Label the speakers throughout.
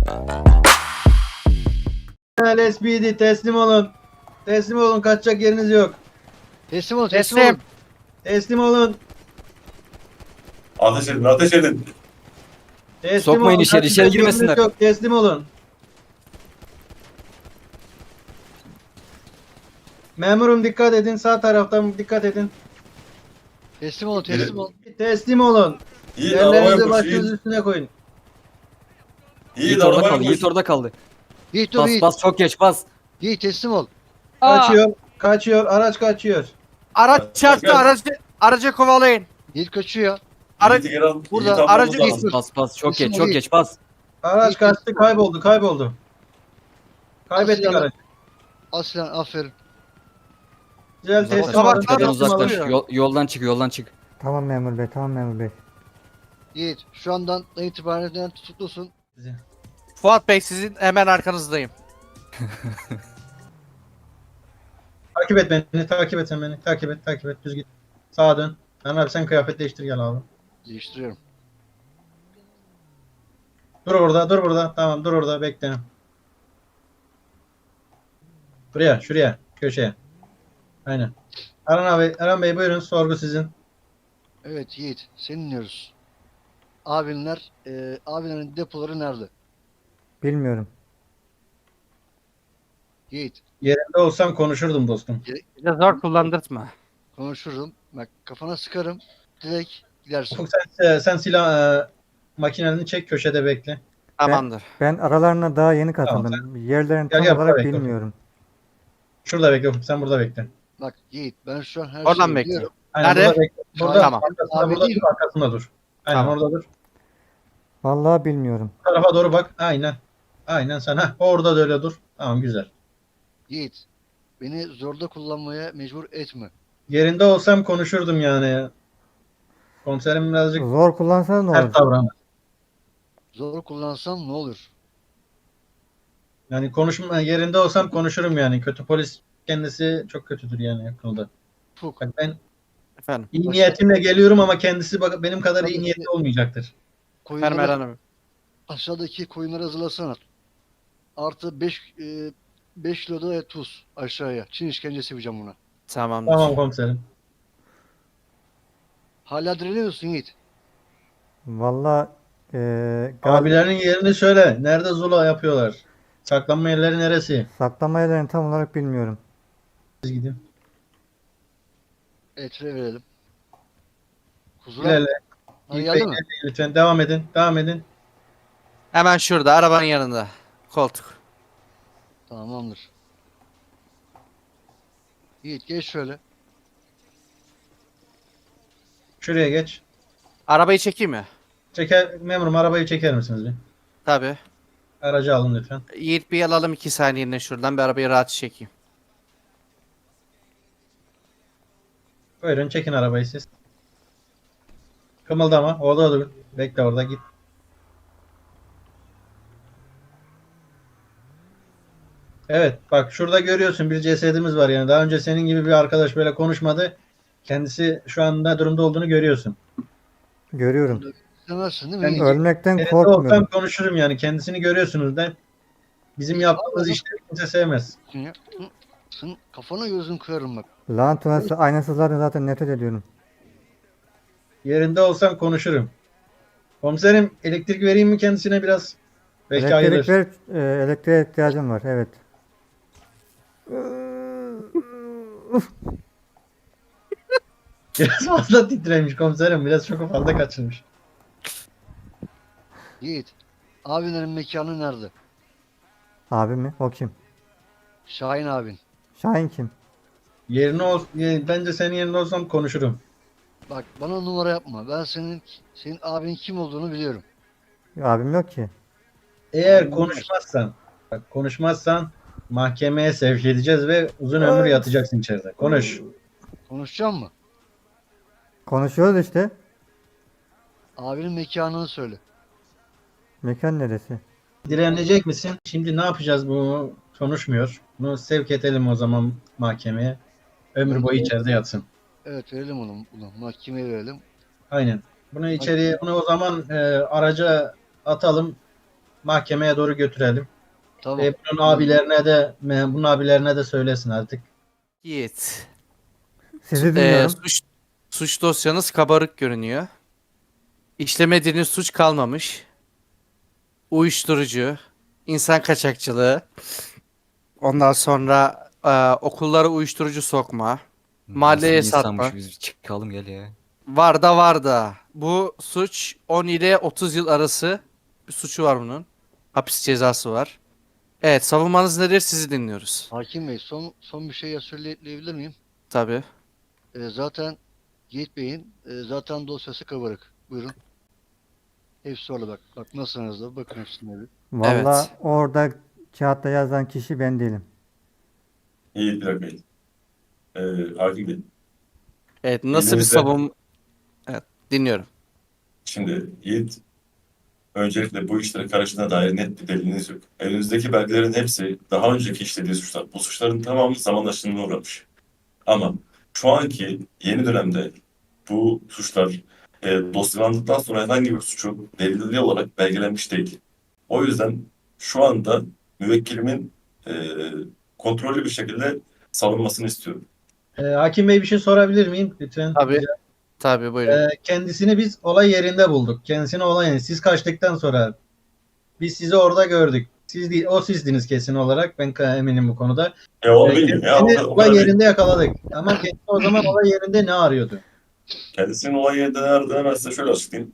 Speaker 1: LSPD teslim olun. Teslim olun, kaçacak yeriniz yok.
Speaker 2: Teslim ol,
Speaker 3: Teslim.
Speaker 2: teslim ol.
Speaker 1: Teslim olun.
Speaker 4: Ateş edin, ateş edin.
Speaker 1: Teslim
Speaker 3: Sokmayın
Speaker 1: olun.
Speaker 3: içeri,
Speaker 1: Kaçacak
Speaker 3: içeri
Speaker 1: yeriniz
Speaker 3: girmesinler.
Speaker 1: Yok. Teslim olun. Memurum dikkat edin. Sağ taraftan dikkat edin.
Speaker 2: Teslim ol, teslim ol.
Speaker 1: Teslim olun.
Speaker 4: Yiğit arabaya
Speaker 1: Yerlerinizi
Speaker 4: koş,
Speaker 1: başınız
Speaker 4: Yiğit.
Speaker 1: üstüne koyun.
Speaker 4: Yiğit
Speaker 3: Yiğit orada
Speaker 4: arabaya
Speaker 3: kaldı.
Speaker 4: koş.
Speaker 3: Yiğit orada kaldı.
Speaker 2: Yiğit dur
Speaker 3: Bas
Speaker 2: Yiğit.
Speaker 3: bas çok geç bas.
Speaker 2: Yiğit teslim ol.
Speaker 1: Kaçıyor. Kaçıyor. Araç kaçıyor.
Speaker 5: Araç çarptı,
Speaker 4: Gel.
Speaker 5: aracı kovalayın.
Speaker 2: Yiğit kaçıyor.
Speaker 5: Araç
Speaker 4: Yiğit'i geri al.
Speaker 2: Burada
Speaker 4: Yiğit almamız
Speaker 5: aracı
Speaker 4: lazım.
Speaker 3: Bas bas bas çok
Speaker 2: Teslim
Speaker 3: geç
Speaker 2: ol
Speaker 3: çok
Speaker 2: Yiğit.
Speaker 3: geç bas.
Speaker 1: Araç
Speaker 2: İyi,
Speaker 1: kaçtı.
Speaker 2: teslim ol.
Speaker 1: Kayboldu. Kaybettik
Speaker 2: Aslan.
Speaker 1: aracı.
Speaker 2: Aslan aferin.
Speaker 1: Güzel
Speaker 3: Uzaklaş.
Speaker 1: teslim olun.
Speaker 5: Sabahtan
Speaker 3: Tepeden
Speaker 1: Teslim olun.
Speaker 3: uzaklaş.
Speaker 5: alıyor.
Speaker 3: Yoldan çık yoldan çık.
Speaker 6: Tamam memur bey, tamam memur bey.
Speaker 2: Yiğit şu andan itibaren tutuklusun.
Speaker 5: Fuat Bey sizin hemen arkanızdayım.
Speaker 1: Takip et beni. Takip et sen beni. Takip et. Düz git. Sağa dön. Abi sen kıyafet değiştir gel abi.
Speaker 2: Değiştiriyorum.
Speaker 1: Dur orada, dur burada. Tamam, dur orada, bekle. Buraya, şuraya, köşeye. Aynen. Erhan Bey buyurun, sorgu sizin.
Speaker 2: Evet Yiğit seni dinliyoruz. Abinlerin depoları nerede?
Speaker 6: Bilmiyorum.
Speaker 2: Yiğit
Speaker 1: Yerinde olsam konuşurdum dostum.
Speaker 5: Bize zor kullandırtma.
Speaker 2: konuşurum. Bak kafana sıkarım. Direkt gidersin.
Speaker 1: Ufuk sen silah makinelerini çek, köşede bekle.
Speaker 5: Tamamdır.
Speaker 6: Ben aralarına daha yeni
Speaker 1: Tamam,
Speaker 6: katıldım. Yerlerini
Speaker 1: Gel,
Speaker 6: tam
Speaker 1: gel,
Speaker 6: olarak
Speaker 1: buraya bekle.
Speaker 6: bilmiyorum.
Speaker 1: Şurada bekle Ufuk, sen burada bekle.
Speaker 2: Bak Yiğit ben şu an her
Speaker 5: Oradan
Speaker 2: şeyi
Speaker 5: bekle.
Speaker 2: biliyorum.
Speaker 1: Aynen,
Speaker 5: Nerede?
Speaker 1: burada bekle. Burada,
Speaker 5: Tamam.
Speaker 1: arkasında,
Speaker 2: Abi
Speaker 1: burada
Speaker 2: değil
Speaker 1: dur, arkasında dur. Aynen,
Speaker 5: Tamam.
Speaker 1: orada dur.
Speaker 6: Vallahi bilmiyorum.
Speaker 1: Bu tarafa doğru bak, aynen. Aynen sen, orada da öyle dur. Tamam, güzel.
Speaker 2: Yiğit beni zorda kullanmaya mecbur etme.
Speaker 1: Yerinde olsam konuşurdum yani. Komiserim birazcık
Speaker 6: Zor kullansanız ne olur?
Speaker 1: sert davranır.
Speaker 2: Zor kullansam ne olur?
Speaker 1: Yani yerinde olsam konuşurum yani. Kötü polis kendisi çok kötüdür yani bu konuda.
Speaker 2: Fuk.
Speaker 1: Bak ben
Speaker 5: Efendim.
Speaker 1: iyi niyetimle geliyorum ama kendisi benim kadar iyi niyetli olmayacaktır.
Speaker 5: Efendim
Speaker 2: Koyunları,
Speaker 5: Erhan abi.
Speaker 2: aşağıdaki koyunları hazırlasana. Artı 5 kilo da tuz aşağıya. Çin işkencesi yapacağım buna.
Speaker 5: Tamamdır.
Speaker 1: Tamam komiserim.
Speaker 2: Hala direniyorsun Yiğit.
Speaker 6: Vallahi
Speaker 1: Abilerin yerini söyle. Nerede zula yapıyorlar? Saklanma yerleri neresi?
Speaker 6: saklama yerlerini tam olarak bilmiyorum.
Speaker 1: Siz gidin.
Speaker 2: Etre verelim. Huzura.
Speaker 1: İlerle.
Speaker 2: Ha, geldi mi?
Speaker 1: Lütfen devam edin. Devam edin.
Speaker 5: Hemen şurada arabanın yanında. Koltuk.
Speaker 2: Tamamdır. Yiğit geç şöyle.
Speaker 1: Şuraya geç.
Speaker 5: Arabayı çekeyim mi?
Speaker 1: Memurum arabayı çeker misiniz bir?
Speaker 5: Tabii.
Speaker 1: Aracı alın lütfen.
Speaker 5: Yiğit bir alalım 2 saniyeliğine şuradan bir arabayı rahat çekeyim.
Speaker 1: Buyurun çekin arabayı siz. Kımıldama. Orada dur. Bekle orada git. Evet bak şurada görüyorsun bir cesedimiz var yani. Daha önce senin gibi bir arkadaş böyle konuşmadı. Kendisi şu anda durumda olduğunu görüyorsun.
Speaker 6: Görüyorum.
Speaker 2: İstemezsin değil mi
Speaker 1: Ben
Speaker 2: Yiğit?
Speaker 6: Ölmekten
Speaker 1: Yerinde olsam
Speaker 6: korkmuyorum.
Speaker 1: konuşurum yani. Kendisini görüyorsunuz da. Bizim yaptığımız işleri kimse sevmez.
Speaker 2: Ya, Sen kafana gözün kırarım bak.
Speaker 6: Lanet olası aynasızlardan zaten nefret ediyorum.
Speaker 1: Yerinde olsam konuşurum. Komiserim elektrik vereyim mi kendisine biraz? Belki
Speaker 6: Elektrik
Speaker 1: ayılır.
Speaker 6: ver, elektriğe ihtiyacım var. Evet.
Speaker 1: Biraz fazla titremiş komiserim. Biraz çok fazla kaçırmış.
Speaker 2: Yiğit. Abinlerin mekanı nerede?
Speaker 6: Abi mi? O kim?
Speaker 2: Şahin abin.
Speaker 6: Şahin kim?
Speaker 1: Bence senin yerinde olsam konuşurum.
Speaker 2: Bak bana numara yapma. Ben senin abin kim olduğunu biliyorum.
Speaker 6: Abim yok ki.
Speaker 1: Eğer konuşmazsan mahkemeye sevk edeceğiz ve uzun ömür yatacaksın içeride. Konuş.
Speaker 2: Konuşacağım mı?
Speaker 6: Konuşuyoruz işte.
Speaker 2: Abinin mekanını söyle.
Speaker 6: Mekan neresi?
Speaker 1: Direnecek misin? Şimdi ne yapacağız bu? Konuşmuyor. Bunu sevk edelim o zaman mahkemeye. Ömür boyu içeride yatsın.
Speaker 2: Evet verelim bunu. Mahkemeye verelim.
Speaker 1: Aynen. Bunu o zaman araca atalım. mahkemeye doğru götürelim.
Speaker 2: Tamam.
Speaker 1: Ve bunun abilerine de söylesin artık.
Speaker 5: Yiğit.
Speaker 6: Sizi dinliyorum.
Speaker 5: Suç dosyanız kabarık görünüyor. İşlemediğiniz suç kalmamış. Uyuşturucu, insan kaçakçılığı, ondan sonra okullara uyuşturucu sokma, mahalleye
Speaker 3: Nasıl insanmış
Speaker 5: satma.
Speaker 3: biz çıkalım gel ya.
Speaker 5: Var da. Bu suç 10 ile 30 yıl arası bir suçu var bunun. Hapis cezası var. Evet, savunmanız nedir? Sizi dinliyoruz.
Speaker 2: Hakim Bey son bir şey söyleyebilir miyim?
Speaker 5: Tabii.
Speaker 2: Zaten Yiğit Bey'in zaten dosyası kabarık. Buyurun. Hepsi orada bak. Bak nasıl hızlı. Bakın hepsine bir.
Speaker 6: Valla
Speaker 5: Evet.
Speaker 6: orada kağıtta yazan kişi ben değilim.
Speaker 4: İyi bir dakika. Hakim Bey.
Speaker 5: Evet, nasıl bir
Speaker 4: Elinizde-
Speaker 5: Evet, dinliyorum.
Speaker 4: Şimdi Yiğit, öncelikle bu işlere karıştığına dair net bir deliliniz yok. Elinizdeki belgelerin hepsi daha önceki işlediği suçlar. Bu suçların tamamı zaman aşımına uğramış. Ama şu anki yeni dönemde bu suçlar dosyalandıktan sonra herhangi bir suçu delilli olarak belgelenmiş değil. O yüzden şu anda müvekkilimin e, kontrollü bir şekilde savunmasını istiyorum.
Speaker 1: Hakim Bey bir şey sorabilir miyim? Lütfen.
Speaker 5: Tabii. Tabii, buyurun.
Speaker 1: Kendisini biz olay yerinde bulduk. Kendisini olay yerinde. Siz kaçtıktan sonra biz sizi orada gördük. Siz değil, o sizdiniz kesin olarak. Ben eminim bu konuda.
Speaker 4: Onu bilmiyorum ya.
Speaker 1: Kendisini
Speaker 4: O
Speaker 1: olay
Speaker 4: kadar değil.
Speaker 1: yerinde yakaladık. Ama kendisi o zaman olay yerinde ne arıyordu?
Speaker 4: Kendisinin olay yerinde ne aradığını hemen size şöyle açıklayayım.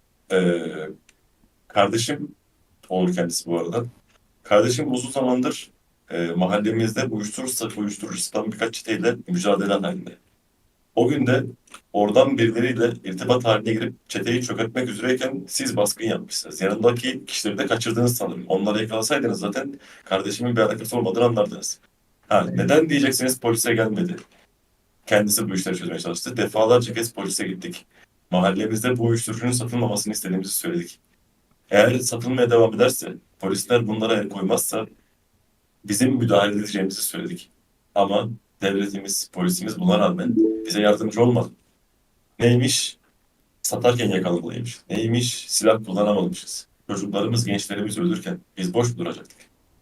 Speaker 4: Kardeşim olur kendisi bu arada. Kardeşim uzun zamandır mahallemizde uyuşturucu satan birkaç çeteyle mücadele halinde. O gün de oradan birileriyle irtibat haline girip çeteyi çökertmek üzereyken siz baskın yapmışsınız. Yanındaki kişileri de kaçırdınız sanırım. Onları yakalasaydınız zaten kardeşimin bir alakası olmadığını anlardınız. Neden diyeceksiniz polise gelmedi. Kendisi bu işleri çözmeye çalıştı. Defalarca kez polise gittik. Mahallemizde bu uyuşturucunun satılmamasını istediğimizi söyledik. Eğer satılmaya devam ederse, polisler bunlara el koymazsa bizim müdahale edeceğimizi söyledik. Ama devletimiz, polisimiz buna rağmen bize yardımcı olmadı. Neymiş? Satarken yakalamalıymış. Neymiş? Silah kullanamamışız. Çocuklarımız, gençlerimiz ölürken biz boş mu duracaktık?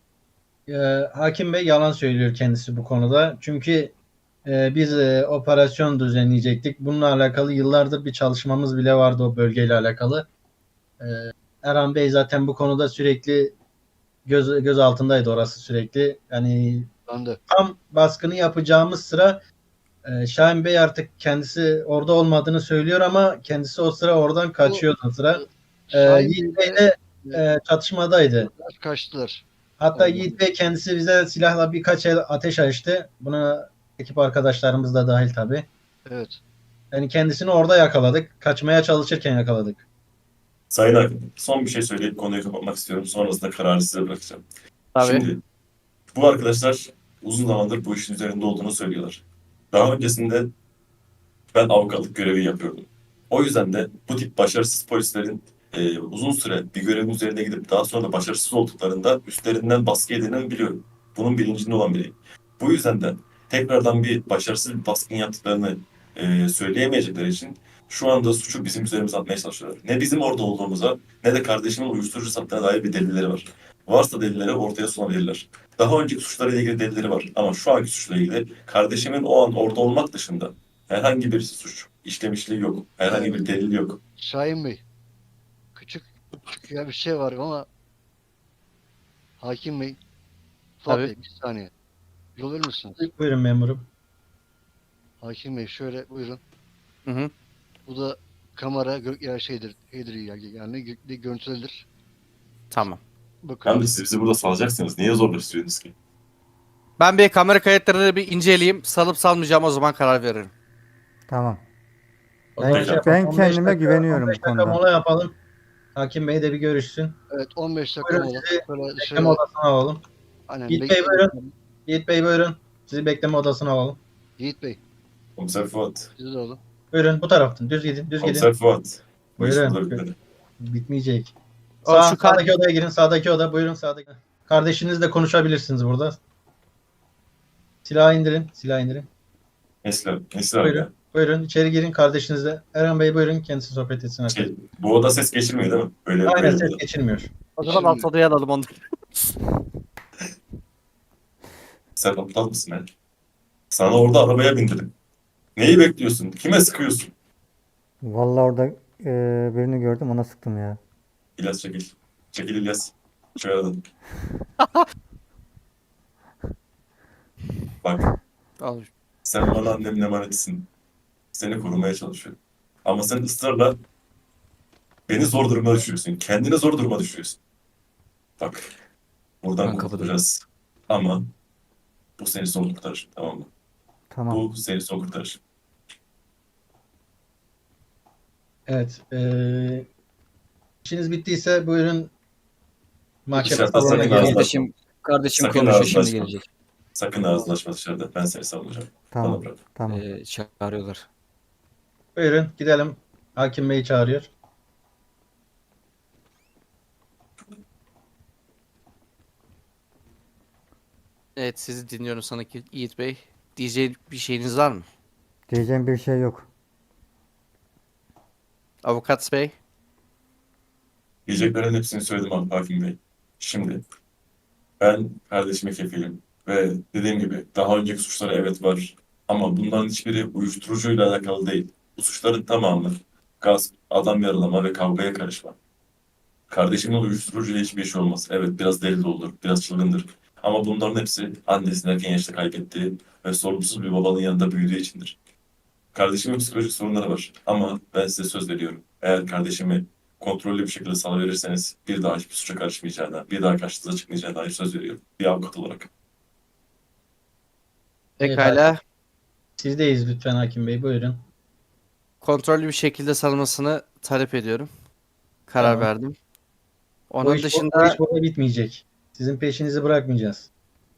Speaker 1: Hakim Bey yalan söylüyor kendisi bu konuda. Çünkü biz operasyon düzenleyecektik. Bununla alakalı yıllardır bir çalışmamız bile vardı o bölgeyle alakalı. E, Erhan Bey zaten bu konuda sürekli göz altındaydı orası sürekli. Yani
Speaker 2: Ben de.
Speaker 1: tam baskını yapacağımız sıra Şahin Bey artık kendisi orada olmadığını söylüyor ama kendisi o sıra oradan kaçıyordu o sıra.
Speaker 2: Şahin
Speaker 1: Yiğit
Speaker 2: Bey
Speaker 1: Bey de çatışmadaydı.
Speaker 2: kaçtılar.
Speaker 1: Hatta
Speaker 2: Allah.
Speaker 1: Yiğit Bey kendisi bize silahla birkaç el ateş açtı. Buna ekip arkadaşlarımız da dahil tabii.
Speaker 2: Evet.
Speaker 1: Yani kendisini orada yakaladık. Kaçmaya çalışırken yakaladık.
Speaker 4: Sayın Hakim, son bir şey söyleyip konuyu kapatmak istiyorum. Sonrasında kararı size bırakacağım.
Speaker 5: Tabii.
Speaker 4: Şimdi bu arkadaşlar uzun zamandır bu işin üzerinde olduğunu söylüyorlar. Daha öncesinde ben avukatlık görevi yapıyordum. O yüzden de bu tip başarısız polislerin uzun süre bir görevin üzerine gidip daha sonra da başarısız olduklarında üstlerinden baskı yediğini biliyorum. Bunun bilincinde olan biriyim. Bu yüzden de tekrardan bir başarısız bir baskın yaptıklarını söyleyemeyecekleri için şu anda suçu bizim üzerimize atmaya çalışıyorlar. Ne bizim orada olduğumuza ne de kardeşimin uyuşturucu sattığına dair bir delilleri var. Varsa delilleri ortaya sunabilirler. Daha önceki suçlarla ilgili delilleri var ama şu anki suçla ilgili kardeşimin o an orada olmak dışında herhangi bir suç işlemişliği yok. Herhangi bir delil yok.
Speaker 2: Şahin Bey. Küçük ya bir şey var ama Hakim Bey. Fuat
Speaker 5: Tabii.
Speaker 2: Bey bir saniye. Yol verir misiniz?
Speaker 1: Buyurun memurum.
Speaker 2: Hakim Bey şöyle buyurun.
Speaker 5: Hı hı.
Speaker 2: Bu da kamera ya şeydir yani görüntülenir.
Speaker 5: Tamam.
Speaker 2: Bakın.
Speaker 4: Hem de siz bizi burada salacaksınız. Niye zorlaştırıyorsunuz ki?
Speaker 5: Ben bir kamera kayıtlarını bir inceleyeyim. Salıp salmayacağım, o zaman karar veririm.
Speaker 6: Tamam.
Speaker 1: O zaman
Speaker 4: Ben
Speaker 1: yapalım. 15
Speaker 6: kendime
Speaker 1: dakika-
Speaker 6: güveniyorum
Speaker 1: 15
Speaker 6: bu
Speaker 1: dakika
Speaker 6: konuda.
Speaker 1: mola yapalım. Hakim Bey de bir görüşsün.
Speaker 2: Evet 15 dakika
Speaker 1: Buyurun
Speaker 2: mola.
Speaker 1: sizi
Speaker 2: Şöyle
Speaker 1: bekleme
Speaker 2: dışarı
Speaker 1: odasına alalım.
Speaker 2: aynen
Speaker 1: Yiğit Bey
Speaker 2: bekleyin.
Speaker 1: buyurun. Yiğit Bey buyurun. Sizi bekleme odasına alalım.
Speaker 2: Yiğit Bey
Speaker 4: Komiser Fuat.
Speaker 2: siz de olun.
Speaker 1: Buyurun bu taraftan. Düz gidin. Düz gidin.
Speaker 4: Komiser Fuat. Bu iş
Speaker 1: Buyurun.
Speaker 4: burada bitmedi.
Speaker 1: Bitmeyecek.
Speaker 5: O
Speaker 1: Sağ,
Speaker 5: şu kar-
Speaker 1: sağdaki odaya girin. Sağdaki oda. Buyurun sağdaki. Kardeşinizle konuşabilirsiniz burada. Silahı indirin. Silahı indirin.
Speaker 4: Nesli abi
Speaker 1: Buyurun.
Speaker 4: ya.
Speaker 1: Buyurun içeri girin kardeşinizle. Erhan Bey buyurun kendisi sohbet etsin.
Speaker 4: Bu oda ses geçirmiyor değil mi? Böyle
Speaker 1: Aynen
Speaker 4: böyle
Speaker 1: ses
Speaker 4: oda.
Speaker 1: geçirmiyor.
Speaker 5: O zaman
Speaker 2: Şimdi-
Speaker 5: alt odaya alalım onları.
Speaker 4: Sen aptal mısın lan? Sana orada arabaya bindirdim. Neyi bekliyorsun? Kime sıkıyorsun?
Speaker 6: Vallahi orada birini gördüm ona sıktım ya.
Speaker 4: İlyas çekil. Çekil İlyas. Şu aradan. Bak
Speaker 5: Al.
Speaker 4: sen bana annemin emanetisin. Seni korumaya çalışıyorum. Ama sen ısrarla beni zor duruma düşürüyorsun. Kendini zor duruma düşürüyorsun. Bak buradan
Speaker 3: Ben kapıdayım.
Speaker 4: kurtulacağız. Ama bu seni son kurtarır. Tamam mı?
Speaker 6: Tamam.
Speaker 4: Bu seni son kurtarır.
Speaker 1: Evet. İşiniz bittiyse buyurun mahkeme
Speaker 4: Dışarıda
Speaker 1: salonuna
Speaker 4: sakın
Speaker 1: geri
Speaker 4: ağzına-
Speaker 1: geçin.
Speaker 3: Kardeşim
Speaker 4: Sakın
Speaker 3: konuşuyor
Speaker 4: ağzını
Speaker 3: şimdi
Speaker 4: açma.
Speaker 3: gelecek.
Speaker 4: Sakın ağzını açma dışarıda. Ben seni savunacağım. Bana
Speaker 6: Tamam.
Speaker 4: bırak.
Speaker 6: Tamam.
Speaker 3: Çağırıyorlar.
Speaker 1: Buyurun gidelim. Hakim Bey çağırıyor.
Speaker 5: Evet sizi dinliyorum sanki Yiğit Bey. Diyeceğim bir şeyiniz var mı?
Speaker 6: Diyeceğim bir şey yok.
Speaker 5: Avukat Bey.
Speaker 4: Diyeceklerin hepsini söyledim abi Hakim Bey. Şimdi ben kardeşime kefilim. Ve dediğim gibi daha önceki suçları evet var. Ama bunların hiçbiri uyuşturucuyla alakalı değil. Bu suçların tamamı gasp, adam yaralama ve kavgaya karışma. Kardeşimin uyuşturucuyla hiçbir işi olmaz. Evet biraz deli de olur, biraz çılgındır. Ama bunların hepsi annesini erken yaşta kaybettiği ve sorumsuz bir babanın yanında büyüdüğü içindir. Kardeşimin psikolojik sorunları var. Ama ben size söz veriyorum. Eğer kardeşimi kontrollü bir şekilde salıverirseniz bir daha hiçbir suça karışmayacağına, bir daha karşınıza çıkmayacağına dair söz veriyorum. Bir avukat olarak.
Speaker 5: Pekala.
Speaker 1: Sizdeyiz lütfen Hakim Bey buyurun.
Speaker 5: Kontrollü bir şekilde sarılmasını talep ediyorum. Karar
Speaker 1: Tamam.
Speaker 5: verdim.
Speaker 1: O
Speaker 5: Onun
Speaker 1: iş, o
Speaker 5: dışında
Speaker 1: iş burada bitmeyecek. Sizin peşinizi bırakmayacağız.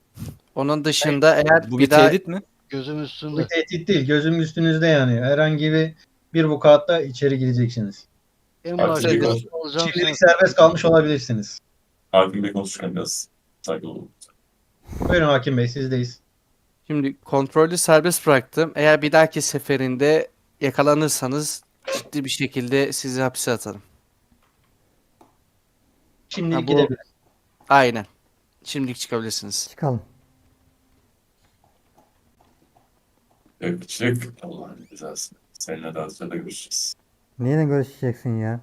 Speaker 5: eğer
Speaker 3: Bu
Speaker 5: bir
Speaker 3: bir
Speaker 5: daha
Speaker 3: tehdit mi?
Speaker 2: Gözüm
Speaker 1: Bu
Speaker 2: üstünde.
Speaker 1: bir tehdit değil. Gözüm üstünüzde yani. Herhangi bir vukuatta içeri gireceksiniz.
Speaker 2: En
Speaker 4: Hakim
Speaker 2: başta
Speaker 4: Bey,
Speaker 2: olacağım
Speaker 1: Şimdilik
Speaker 2: sen.
Speaker 1: serbest kalmış olabilirsiniz.
Speaker 4: Hakim Bey konuşurken biraz saygılı olun.
Speaker 1: Buyurun Hakim Bey sizdeyiz.
Speaker 5: şimdi kontrollü serbest bıraktım. Eğer bir dahaki seferinde yakalanırsanız ciddi bir şekilde sizi hapse atarım.
Speaker 1: Şimdilik
Speaker 5: bu-
Speaker 1: gidebiliriz.
Speaker 5: Aynen. Şimdilik çıkabilirsiniz.
Speaker 6: Çıkalım.
Speaker 4: Yok çık. Allah'ın cezası. Seninle daha sonra görüşeceğiz.
Speaker 6: Neyle görüşeceksin ya?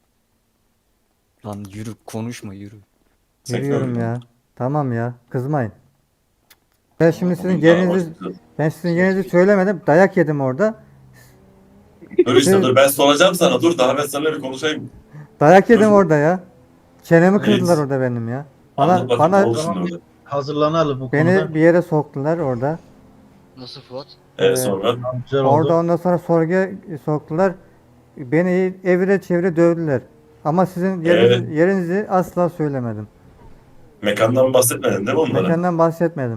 Speaker 3: Lan yürü konuşma yürü.
Speaker 4: Sen
Speaker 6: Yürüyorum
Speaker 4: görme.
Speaker 6: ya. Tamam ya. Kızmayın. Ben şimdi sizin
Speaker 4: Bugün daha
Speaker 6: yerinizi
Speaker 4: başlayacağız.
Speaker 6: ben sizin yerinizi söylemedim. Dayak yedim orada.
Speaker 4: Dur işte dur ben soracağım sana. Dur daha ben seninle bir konuşayım.
Speaker 6: Dayak yedim
Speaker 4: Dur.
Speaker 6: orada ya. Çenemi
Speaker 4: Evet.
Speaker 6: kırdılar orada benim ya.
Speaker 4: Anlat bakayım ne
Speaker 6: Bana
Speaker 4: oldu şimdi orada.
Speaker 1: Hazırlanalım bu
Speaker 6: beni
Speaker 1: konuda.
Speaker 6: bir yere soktular orada.
Speaker 2: Nasıl Fuat?
Speaker 4: Sonra
Speaker 1: Güzel oldu.
Speaker 6: Orada ondan sonra sorguya soktular. Beni evire çevire dövdüler. Ama sizin yerinizi asla söylemedim.
Speaker 4: mekandan bahsetmedin değil mi onlara?
Speaker 6: Mekandan bahsetmedim.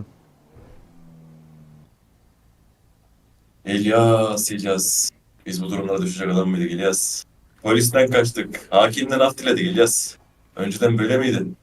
Speaker 4: İlyas. Biz bu durumlara düşecek adam mıydık İlyas? Polisten kaçtık. Hakimden af diledik İlyas. Önceden böyle miydin?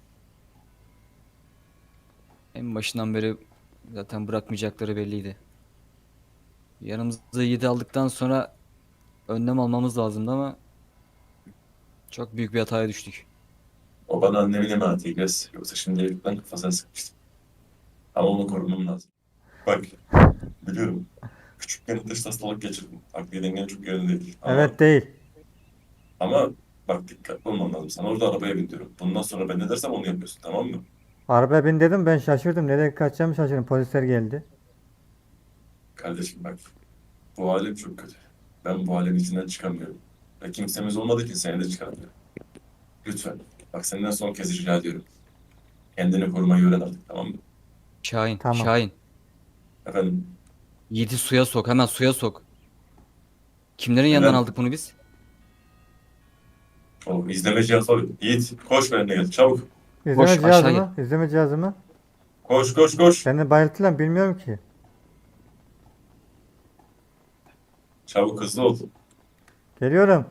Speaker 3: En başından beri zaten bırakmayacakları belliydi. Yanımıza 7 aldıktan sonra önlem almamız lazımdı ama çok büyük bir hataya düştük.
Speaker 4: O bana annemin emaneti İlyas. Yoksa şimdi evlilikten kafasına sıkmıştım. Ama onu korumam lazım. Bak, biliyorum. Küçükken ateşli hastalık geçirdim. Akli dengen çok yerinde değil.
Speaker 6: Evet değil.
Speaker 4: Ama bak dikkatli olman lazım. Sana orada arabaya bindiriyorum. Bundan sonra ben ne dersem onu yapıyorsun tamam mı?
Speaker 6: Arabaya bin dedim ben şaşırdım. Nereye kaçacağımı şaşırdım. Polisler geldi.
Speaker 4: Kardeşim bak. Bu alem çok kötü. Ben bu alemin içinden çıkamıyorum. Ve kimsemiz olmadığı için seni de çıkaramıyorum. Lütfen. Bak senden son kez rica ediyorum. Kendini korumayı öğren artık tamam mı?
Speaker 3: Şahin,
Speaker 6: Tamam.
Speaker 3: Şahin.
Speaker 4: Efendim
Speaker 3: Yiğit'i suya sok, hemen suya sok. Kimlerin yanından
Speaker 4: Neden?
Speaker 3: aldık bunu biz?
Speaker 4: o izleme cihazı var. Yiğit koş benimle gel çabuk.
Speaker 6: İzleme
Speaker 3: Boş, aşağı
Speaker 6: cihazımı. İzleme cihazımı.
Speaker 4: Koş koş koş.
Speaker 6: Beni bayılttılar bilmiyorum ki.
Speaker 4: Çabuk hızlı ol.
Speaker 6: Geliyorum.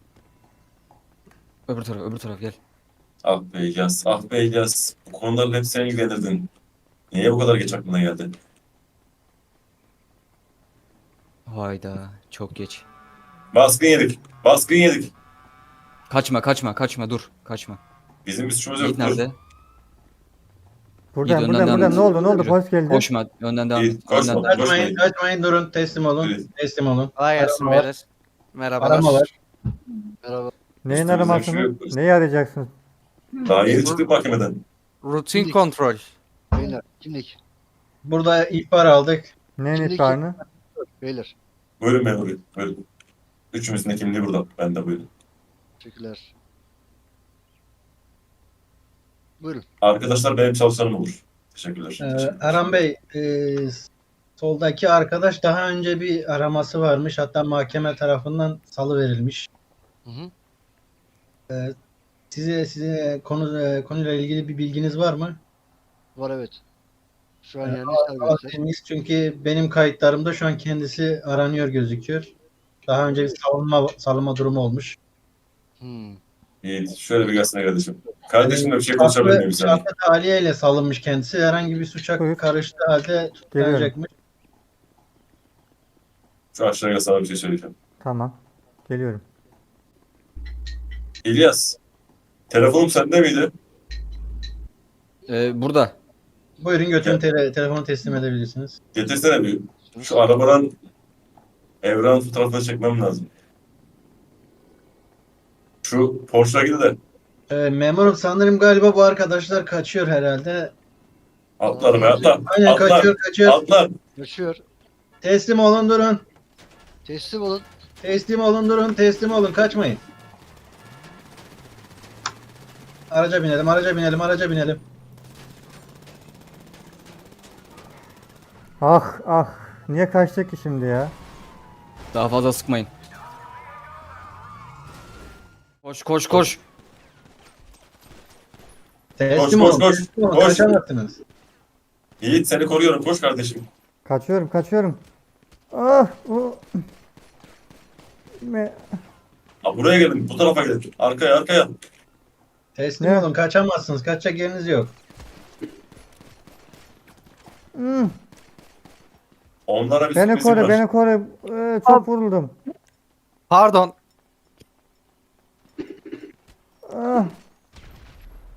Speaker 3: Öbür taraf gel.
Speaker 4: Ah be İlyas, ah be İlyas. Bu konularla hep sen ilgilenirdin. Niye bu kadar geç aklına geldi?
Speaker 3: Hayda, çok geç.
Speaker 4: Baskın yedik. Baskın yedik.
Speaker 3: Kaçma, dur, kaçma.
Speaker 4: Bizim bir suçumuz
Speaker 3: Yiğit
Speaker 4: yok. Dur.
Speaker 3: nerede?
Speaker 6: Buradan
Speaker 3: önden
Speaker 6: buradan
Speaker 3: devam
Speaker 6: buradan
Speaker 3: et.
Speaker 6: ne oldu ne oldu
Speaker 3: Yürü.
Speaker 6: hoş geldin.
Speaker 3: Koşma. Önden devam
Speaker 4: Yiğit,
Speaker 3: et.
Speaker 4: koşma.
Speaker 3: Önden devam et.
Speaker 1: Kaçmayın,
Speaker 4: Koşmayın.
Speaker 1: kaçmayın, durun. Teslim olun.
Speaker 4: Yürü.
Speaker 1: Teslim olun.
Speaker 5: Kolay gelsin
Speaker 1: Arama var.
Speaker 5: beyler. Merhabalar.
Speaker 1: Arama var.
Speaker 2: Merhaba.
Speaker 6: Neyin
Speaker 4: Üstümüzden
Speaker 6: aramasını?
Speaker 4: şu-
Speaker 6: Neyi arayacaksınız?
Speaker 4: Daha yeni çıktık mahkemeden.
Speaker 5: Rutin
Speaker 2: Kimlik.
Speaker 5: kontrol.
Speaker 2: Beyler kimlik.
Speaker 1: Burada ihbar aldık.
Speaker 6: Neyin
Speaker 2: Şimdiki-
Speaker 6: ihbarını?
Speaker 2: Beyler.
Speaker 4: Buyurun memur bey. Buyurun. Üçümüzün de kimliği burada. Ben de buyurun.
Speaker 2: Teşekkürler. Buyurun.
Speaker 4: Arkadaşlar benim çalışanım olur. Teşekkürler.
Speaker 1: Erhan Bey, soldaki arkadaş daha önce bir araması varmış. Hatta mahkeme tarafından salıverilmiş.
Speaker 2: Hı hı.
Speaker 1: Size konuyla ilgili bir bilginiz var mı?
Speaker 2: Var evet. Şu an yani
Speaker 1: Allah
Speaker 2: serbestler.
Speaker 1: temiz, çünkü benim kayıtlarımda şu an kendisi aranıyor gözüküyor. Daha önce bir salınma durumu olmuş.
Speaker 2: Hmm.
Speaker 4: Yiğit şöyle bir gelsene kardeşim. Kardeşimle bir şey konuşabilir miyim seninle?
Speaker 1: Şartlı tahliyeyle salınmış kendisi. Herhangi bir suça
Speaker 6: Buyur.
Speaker 1: karıştığı halde tutuklanacakmış.
Speaker 4: Şu aşağıya sana bir şey söyleyeceğim.
Speaker 6: Tamam. Geliyorum.
Speaker 4: İlyas. Telefonum sende miydi?
Speaker 3: Burada.
Speaker 1: Buyurun götürün, telefonu teslim edebilirsiniz.
Speaker 4: Getirsene bir. Şu arabadan Evran fotoğrafını çekmem lazım. Şu Porsche'la gidi de
Speaker 1: Memurum, sanırım galiba bu arkadaşlar kaçıyor herhalde.
Speaker 4: atla arabaya atla.
Speaker 1: Aynen,
Speaker 4: Atla.
Speaker 1: kaçıyor.
Speaker 4: Atla.
Speaker 2: Yaşıyor.
Speaker 1: Teslim olun, durun.
Speaker 2: Teslim olun.
Speaker 1: Teslim olun, durun. Teslim olun, kaçmayın. Araca binelim, araca binelim.
Speaker 6: Ah ah. Niye kaçtık ki şimdi ya?
Speaker 3: Daha fazla sıkmayın. Koş koş koş.
Speaker 1: Teslim
Speaker 4: Koş,
Speaker 1: olun,
Speaker 4: koş,
Speaker 1: teslim olun,
Speaker 4: koş.
Speaker 1: kaçamazsınız.
Speaker 4: Yiğit seni koruyorum. Koş kardeşim.
Speaker 6: Kaçıyorum. Ah o.
Speaker 4: Buraya gelin. Bu tarafa gelin. Arkaya.
Speaker 1: Teslim
Speaker 6: Ne?
Speaker 1: olun, kaçamazsınız. Kaçacak yeriniz yok.
Speaker 4: Onlara bir
Speaker 6: Beni
Speaker 4: sürprizim
Speaker 6: koru
Speaker 4: var.
Speaker 6: beni koru. Çok vuruldum.
Speaker 5: Pardon.
Speaker 6: Ah